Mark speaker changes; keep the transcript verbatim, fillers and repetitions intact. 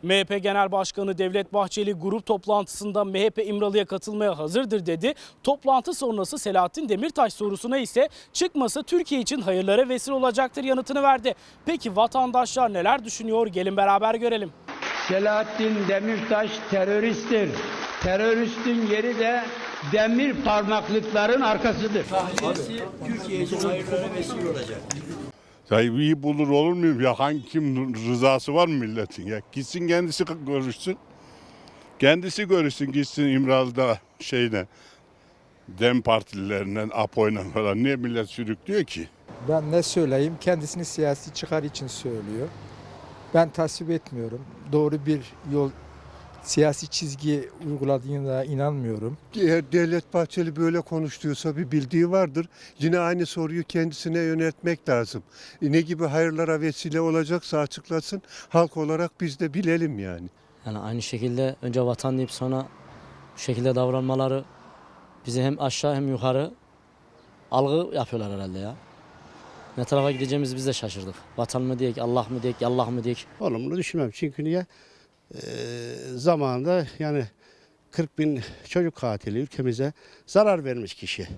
Speaker 1: M H P Genel Başkanı Devlet Bahçeli grup toplantısında M H P İmralı'ya katılmaya hazırdır dedi. Toplantı sonrası Selahattin Demirtaş sorusuna ise çıkması Türkiye için hayırlara vesile olacaktır yanıtını verdi. Peki vatandaşlar neler düşünüyor? Gelin beraber görelim.
Speaker 2: Selahattin Demirtaş teröristtir. Teröristin yeri de demir parmaklıkların arkasıdır.
Speaker 3: Tahliyesi Türkiye için hayırlara vesile olacak.
Speaker 4: Ya iyi bulur olur muyum ya, hangi kim rızası var mı milletin ya, gitsin kendisi görüşsün. Kendisi görüşsün, gitsin İmralı'da şeyle Dem partilerinden Apo'yla falan, niye millet sürüklüyor ki?
Speaker 5: Ben ne söyleyeyim, kendisini siyasi çıkar için söylüyor. Ben tasvip etmiyorum. Doğru bir yol, siyasi çizgi uyguladığına inanmıyorum.
Speaker 6: Eğer Devlet Bahçeli böyle konuştuysa bir bildiği vardır. Yine aynı soruyu kendisine yöneltmek lazım. E ne gibi hayırlara vesile olacaksa açıklasın. Halk olarak biz de bilelim yani.
Speaker 7: Yani aynı şekilde önce vatan deyip sonra bu şekilde davranmaları bizi hem aşağı hem yukarı algı yapıyorlar herhalde ya. Ne tarafa gideceğimizi biz de şaşırdık. Vatan mı diyek, Allah mı diyek, Allah mı diyek.
Speaker 8: Olumlu düşünmem çünkü niye? Ee, zamanında yani kırk bin çocuk katili ülkemize zarar vermiş kişi.